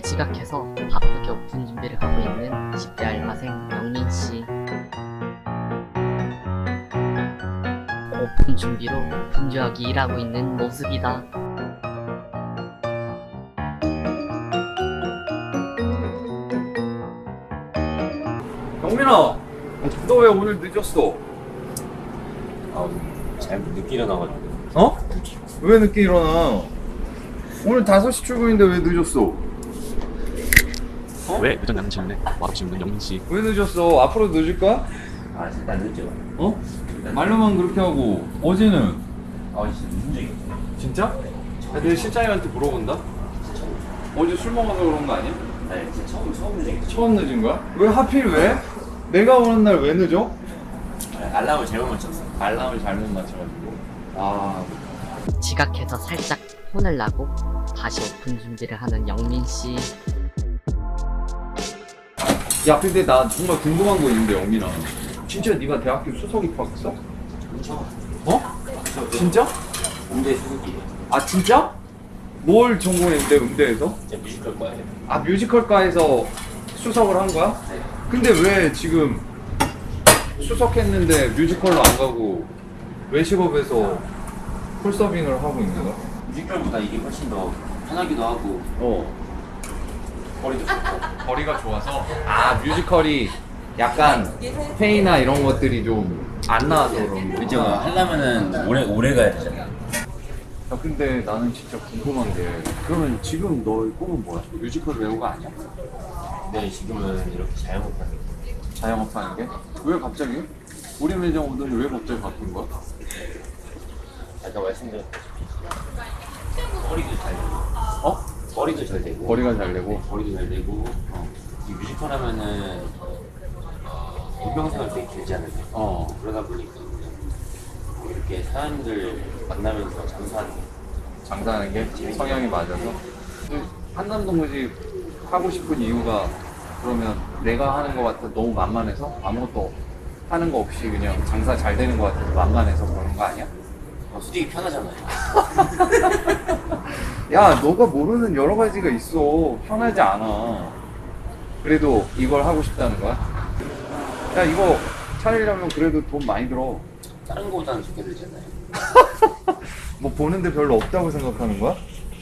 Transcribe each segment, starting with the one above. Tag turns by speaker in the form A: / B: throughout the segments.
A: 지각해서 바쁘게 오픈 준비를 하고 있는 10대 알바생 영민씨. 오픈 준비로 분주하게 일하고 있는 모습이다.
B: 영민아, 너 왜 오늘 늦었어?
C: 잘못 늦게 일어나가지고.
B: 어? 왜 늦게 일어나? 오늘 5시 출근인데 왜 늦었어?
D: 왜 늦었냐는 질문에 말없이 묻는 영민씨.
B: 왜 늦었어? 앞으로 늦을 거야?
C: 일단 늦죠.
B: 어? 말로만 그렇게 하고 어제는?
C: 진짜 무슨 적이 없어.
B: 진짜? 내 실장님한테 물어본다? 어제 술 먹어서 그런 거 아니야?
C: 아니, 진짜 처음 늦은 게
B: 처음 늦은 거야? 왜 하필 왜? 내가 오는 날 왜 늦어?
C: 알람을 잘못 맞췄어.
B: 알람을 잘못 맞춰가지고.
A: 지각해서 살짝 혼을 나고 다시 오픈 준비를 하는 영민씨.
B: 야, 근데 나 정말 궁금한 거 있는데, 영민아. 진짜 네가 대학교 수석 입학했어?
C: 그렇죠.
B: 어? 진짜?
C: 음대 수석이에요.
B: 아, 진짜? 뭘 전공했는데, 음대에서?
C: 진짜 뮤지컬 과예요.
B: 아, 뮤지컬과에서 수석을 한 거야?
C: 네.
B: 근데 왜 지금 수석했는데 뮤지컬로 안 가고 외식업에서 홀서빙을 하고 있는 거야?
C: 뮤지컬보다 이게 훨씬 더 편하기도 하고 거리도 좋고.
B: 거리가 좋아서? 아, 뮤지컬이 약간 페이나 이런 것들이 좀 안 나와서 그런 거.
C: 그죠? 하려면은 오래 가야 되잖아.
B: 야, 근데 나는 진짜 궁금한 게, 그러면 지금 너의 꿈은 뭐야? 뮤지컬 배우가 아니야?
C: 네, 지금은 이렇게 자영업하는 거.
B: 자영업 하는 게? 왜 갑자기? 우리 매장 오더니 왜 갑자기 바뀐 거야?
C: 아까 말씀드렸다시피 거리도 잘 되고.
B: 어?
C: 거리도 잘 되고.
B: 거리가 잘 되고.
C: 거리도 잘 되고. 이 뮤지컬 하면은 인병생활 되게 길지 않을까. 그러다 보니까 이렇게 사람들 만나면서
B: 장사하는 게 성향이 맞아서. 한남동무집 하고 싶은 이유가, 그러면 내가 하는 거 같아 너무 만만해서 아무것도 하는 거 없이 그냥 장사 잘 되는 거 같아서 만만해서 그러는 거 아니야?
C: 솔직히 편하잖아요.
B: 야, 너가 모르는 여러 가지가 있어. 편하지 않아. 그래도 이걸 하고 싶다는 거야? 야, 이거 차리려면 그래도 돈 많이 들어.
C: 다른 거보다는 좋게 들잖아요.
B: 뭐 보는데 별로 없다고 생각하는 거야?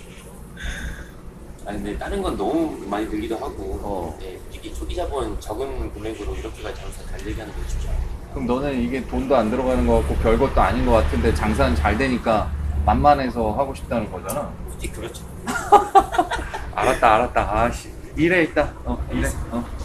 C: 아니 근데 다른 건 너무 많이 들기도 하고 이게 초기 자본 적은 금액으로 이렇게까지 장사 잘 되게 하는 게 쉽지 않아요.
B: 그럼 너는 이게 돈도 안 들어가는 거 같고 별것도 아닌 거 같은데 장사는 잘 되니까 만만해서 하고 싶다는 거잖아.
C: 솔직히 그렇죠.
B: 알았다. 아씨. 일해 있다. 일해.